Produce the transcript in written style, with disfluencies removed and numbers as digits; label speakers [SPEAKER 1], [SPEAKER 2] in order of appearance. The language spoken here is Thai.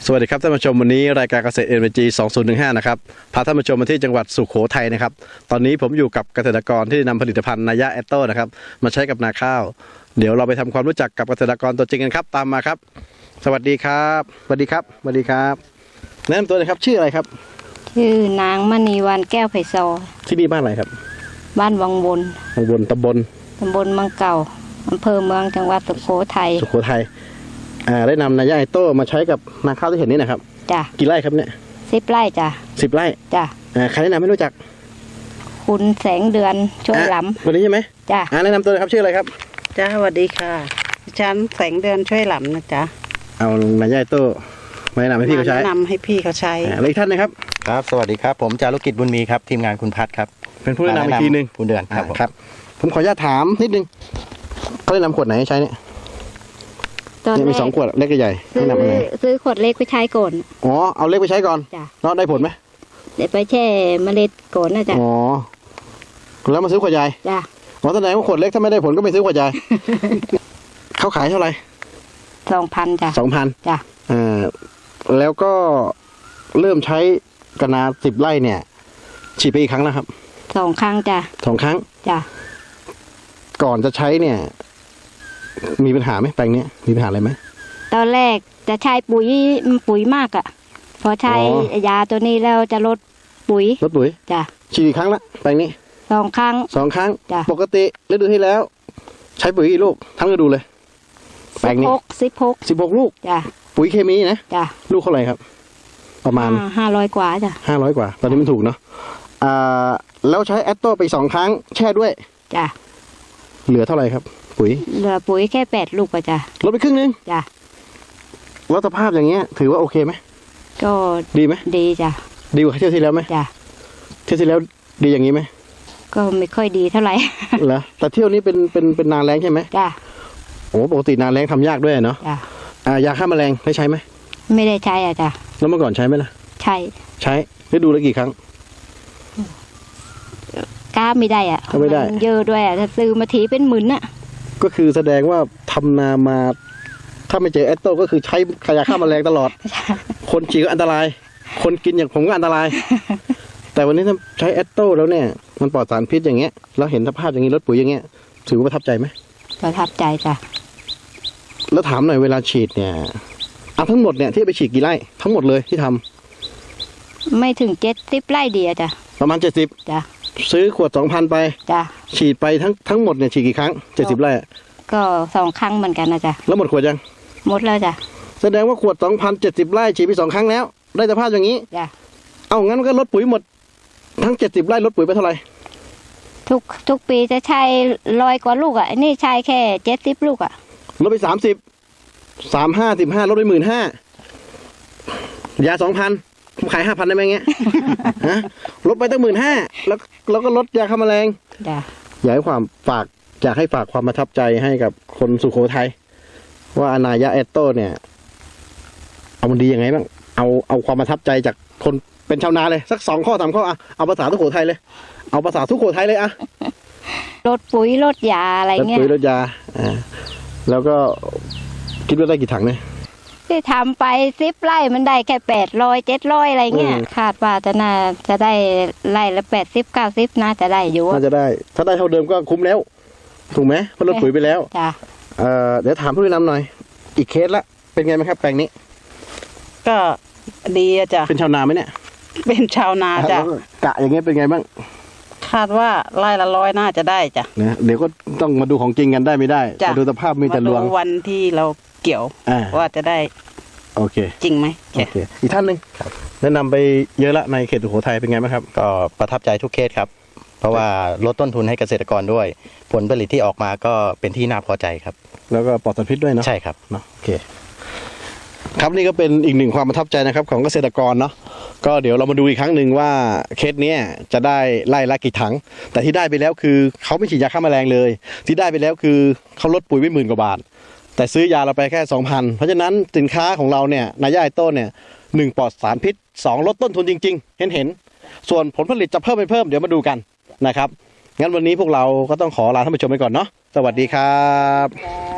[SPEAKER 1] วัสดีครับท่านผู้ชมวันนี้รายการเกษตร NBG 2015นะครับพาท่านผู้ชมมาที่จังหวัดสุโขทัยนะครับตอนนี้ผมอยู่กับเกษตรกรที่นำผลิตภัณฑ์นายะแอตโต้นะครับมาใช้กับนาข้าวเดี๋ยวเราไปทำความรู้จักกับเกษตรกรตัวจริงกันครับตามมาครับสวัสดีครับสวัสดีครับสวัสดีครับแนะนำตัวเลยครับชื่ออะไรครับ
[SPEAKER 2] ชื่อนางมณีวันแก้วไผ่ซอ
[SPEAKER 1] ที่นี่บ้านอะไรครับ
[SPEAKER 2] บ้านวังบน
[SPEAKER 1] ตำบล
[SPEAKER 2] เมืองเก่าอำเภอเมืองจังหวัดสุโขทัย
[SPEAKER 1] ได้นำนายะแอตโต้มาใช้กับนาข้าวที่เห็นนี่นะครับ
[SPEAKER 2] จ้ะ
[SPEAKER 1] กี่ไร่ครับเนี่ย
[SPEAKER 2] 10 ไร่จ้ะ
[SPEAKER 1] 10 ไร่
[SPEAKER 2] จ้ะ
[SPEAKER 1] ใครแนะนำให้รู้จัก
[SPEAKER 2] คุณแสงเดือนช่วยล้ำ
[SPEAKER 1] วันนี้ใช่ไหม
[SPEAKER 2] จ้ะ
[SPEAKER 1] แนะนำตัวเลยครับชื่ออะไรครับ
[SPEAKER 3] จ้าสวัสดีค่ะฉันแสงเดือนช่วยหล้ำนะจ๊ะ
[SPEAKER 1] เอานายะแอตโต้มาแนะนำให้พี่เขาใช้
[SPEAKER 3] แนะนำให้พี่เขาใช้
[SPEAKER 1] แล้วอีกท่านนะครับ
[SPEAKER 4] ครับสวัสดีครับผมจารุกิจบุญมีครับทีมงานคุณพัฒครับ
[SPEAKER 1] เป็นผู้แนะนำอีกทีนึง
[SPEAKER 4] ผู้เดือน
[SPEAKER 1] ครับผมขออนุญาตถามนิดนึงเขาแนะนำขวดไหนให้ใช้เนี่ยมี2 ขวดเล็กกับใหญ่แนะนำอะไร
[SPEAKER 2] ซื้อขวดเล็กไปใช้ก่อน
[SPEAKER 1] อ๋อเอาเล็กไปใช้ก่อนแล้วได้ผลไหม
[SPEAKER 2] เดี๋ยวไปแช่เมล็ดก่อนนะจ๊ะ
[SPEAKER 1] อ๋อแล้วมาซื้อขวดใหญ่
[SPEAKER 2] จ้ะ
[SPEAKER 1] แสดงว่าขวดเล็กถ้าไม่ได้ผลก็ไม่ซื้อขวดใหญ่ เขาขายเท่าไหร่
[SPEAKER 2] 2,000 จ้ะ
[SPEAKER 1] 2,000จ้ะแล้วก็เริ่มใช้กระนา10 ไร่เนี่ยฉีดไปอีกครั้งแล้วครับ
[SPEAKER 2] 2 ครั้งจ้ะ
[SPEAKER 1] 2 ครั้ง
[SPEAKER 2] จ้ะ
[SPEAKER 1] ก่อนจะใช้เนี่ยมีปัญหาไหมแปลงนี้มีปัญหาอะไรไหม
[SPEAKER 2] ตอนแรกจะใช้ปุ๋ยมากอ่ะพอใช้ยาตัวนี้แล้วจะลดปุ๋ยจ้ะ
[SPEAKER 1] ฉีดอีกครั้งละแปลงนี้
[SPEAKER 2] 2 ครั้ง
[SPEAKER 1] จ้ะปกติฤดูที่แล้วใช้ปุ๋ยกี่ลูกทั้งฤดูเลยแปลงนี้16 ลูก
[SPEAKER 2] จ้ะ
[SPEAKER 1] ปุ๋ยเคมีนะ
[SPEAKER 2] จ้ะ
[SPEAKER 1] ลูกเท่าไหร่ครับประมาณ
[SPEAKER 2] 500 กว่าจ้ะ
[SPEAKER 1] 500 กว่าตอนนี้มันถูกเนาะแล้วใช้แอตโต้ไป2 ครั้งแช่ด้วย
[SPEAKER 2] จ้ะ
[SPEAKER 1] เหลือเท่าไหร่ครับ
[SPEAKER 2] เหลือปุ๋ยแค่8 ลูกจ้ะ
[SPEAKER 1] ลดไปครึ่งนึง
[SPEAKER 2] จ้ะ
[SPEAKER 1] แล้วสภาพอย่างเงี้ยถือว่าโอเคไหม
[SPEAKER 2] ก็
[SPEAKER 1] ดีไหม
[SPEAKER 2] ดีจ้ะ
[SPEAKER 1] ดีกว่าเที่ยวที่แล้วไหม
[SPEAKER 2] จ้ะ
[SPEAKER 1] เที่ยวที่แล้วดีอย่างนี้ไหม
[SPEAKER 2] ก็ไม่ค่อยดีเท่าไหร่
[SPEAKER 1] เหรอแต่เที่ยวนี้เป็นนาแรงใช่ไหม
[SPEAKER 2] จ้ะ
[SPEAKER 1] โอ้ปกตินาแรงทำยากด้วยเนาะ
[SPEAKER 2] จ้ะ
[SPEAKER 1] ยาฆ่าแมลงได้ใช้ไหม
[SPEAKER 2] ไม่ได้ใช้จ้ะ
[SPEAKER 1] แล้วเมื่อก่อนใช้ไหมล่ะ
[SPEAKER 2] ใช้
[SPEAKER 1] ฤดูละกี่ครั้ง
[SPEAKER 2] กล้าไม่ได้
[SPEAKER 1] ไม่ได้
[SPEAKER 2] เยอะด้วยถ้าซื้อมาทีเป็นหมื่น
[SPEAKER 1] ก็คือแสดงว่าทำนามาถ้าไม่เจอแอตโต้ก็คือใช้ยาฆ่าแมลงตลอด คนฉีดก็อันตรายคนกินอย่างผมก็อันตราย แต่วันนี้ถ้าใช้แอตโต้แล้วเนี่ยมันปลอดสารพิษอย่างเงี้ยแล้วเห็นสภาพอย่างนี้ลดปุ๋ยอย่างเงี้ยถือว่าประทับใจไหม
[SPEAKER 2] ประทับใจจ้ะ
[SPEAKER 1] แล้วถามหน่อยเวลาฉีดเนี่ยทั้งหมดเนี่ยที่ไปฉีดกี่ไร่ทั้งหมดเลยที่ทำ
[SPEAKER 2] ไม่ถึง70 ไร่ดีจ้ะ
[SPEAKER 1] ประมาณ70
[SPEAKER 2] จ้ะ
[SPEAKER 1] ซื้อขวด 2,000 ไปจ้ะฉีดไปทั้งหมดเนี่ยฉีดกี่ครั้ง70 ไร่
[SPEAKER 2] ก็2 ครั้งเหมือนกันนะจ๊ะ
[SPEAKER 1] แล้วหมดขวดยัง
[SPEAKER 2] หมดแล้วจ้ะ
[SPEAKER 1] แสดงว่าขวด 2,000 70 ไร่ฉีดไป2 ครั้งแล้วได้สภาพอย่างนี้
[SPEAKER 2] จ้ะ
[SPEAKER 1] เอางั้นก็ลดปุ๋ยหมดทั้ง70 ไร่ลดปุ๋ยไปเท่าไหร่
[SPEAKER 2] ทุกปีจะใช้100 กว่าลูกอันนี้ใช้แค่70 ลูก
[SPEAKER 1] ลดไป30 35 15ลดไป 15,000ยา 2,000 ผมขาย 5,000 ได้ไหมเงี้ยฮะลดไปตั้ง 15,000แล้วก็ลดยาฆ่าแมลง
[SPEAKER 2] จ้ะ
[SPEAKER 1] อยากให้ฝากความประทับใจให้กับคนสุโขทัยว่านายะแอตโต้เนี่ยเอามันดียังไงบ้างเอาความประทับใจจากคนเป็นชาวนาเลยสัก2 ข้อ 3 ข้อเอาภาษาสุโขทัยเลย
[SPEAKER 2] ลดปุ๋ยลดยาอะไรเงี้ย
[SPEAKER 1] ลดปุ๋ยลดยาแล้วก็คิดว่าได้กี่ถังเนี่ย
[SPEAKER 2] ที่ทำไป10 ไร่มันได้แค่800 700อะไรเงี้ยคาดว่าจะได้ไร่ละ80 90น่าจะได้อยู่
[SPEAKER 1] น่าจะได้ถ้าได้เท่าเดิมก็คุ้มแล้วถูกไหมเพราะลดปุ๋ยไปแล้ว
[SPEAKER 2] จ้ะ
[SPEAKER 1] เดี๋ยวถามผู้นำหน่อยอีกเคสละเป็นไงไหมครับแปลงนี้
[SPEAKER 3] ก็ดีจ้ะ
[SPEAKER 1] เป็นชาวนาไหมเนี่ย
[SPEAKER 3] เป็นชาวนาจ้ะ
[SPEAKER 1] กะอย่างเงี้ยเป็นไงบ้าง
[SPEAKER 3] คาดว่าไร่ละ100น่าจะได้จ้ะ
[SPEAKER 1] นะเดี๋ยวก็ต้องมาดูของจริงกันได้ไม่ได้ดูสภาพมีแต่ลวง
[SPEAKER 3] วันที่เราเกี่ยวว่าจะได้
[SPEAKER 1] โอเค
[SPEAKER 3] จริงไหม
[SPEAKER 1] โอเคอีกท่านหนึ่งแนะนำไปเยอะละในเขตสุโขทัยเป็นไงบ้างครับ
[SPEAKER 4] ก็ประทับใจทุกเคสครับเพราะว่าลดต้นทุนให้เกษตรกรด้วยผลผลิตที่ออกมาก็เป็นที่น่าพอใจครับ
[SPEAKER 1] แล้วก็ปลอดสารพิษด้วยเนาะ
[SPEAKER 4] ใช่ครับ
[SPEAKER 1] เนาะโอเคครับนี่ก็เป็นอีกหนึ่งความประทับใจนะครับของเกษตรกรเนาะก็เดี๋ยวเรามาดูอีกครั้งหนึ่งว่าเคสนี้จะได้ไล่ละกี่ถังแต่ที่ได้ไปแล้วคือเขาไม่ฉีดยาฆ่าแมลงเลยที่ได้ไปแล้วคือเขาลดปุ๋ยไป10,000 กว่าบาทแต่ซื้อยาเราไปแค่ 2,000 เพราะฉะนั้นสินค้าของเราเนี่ยนายะแอตโต้เนี่ย1ปลอดสารพิษ2ลดต้นทุนจริงๆเห็นส่วนผลผลิตจะเพิ่มไม่เพิ่มเดี๋ยวมาดูกันนะครับงั้นวันนี้พวกเราก็ต้องขอลาท่านผู้ชมไปก่อนเนาะสวัสดีครับ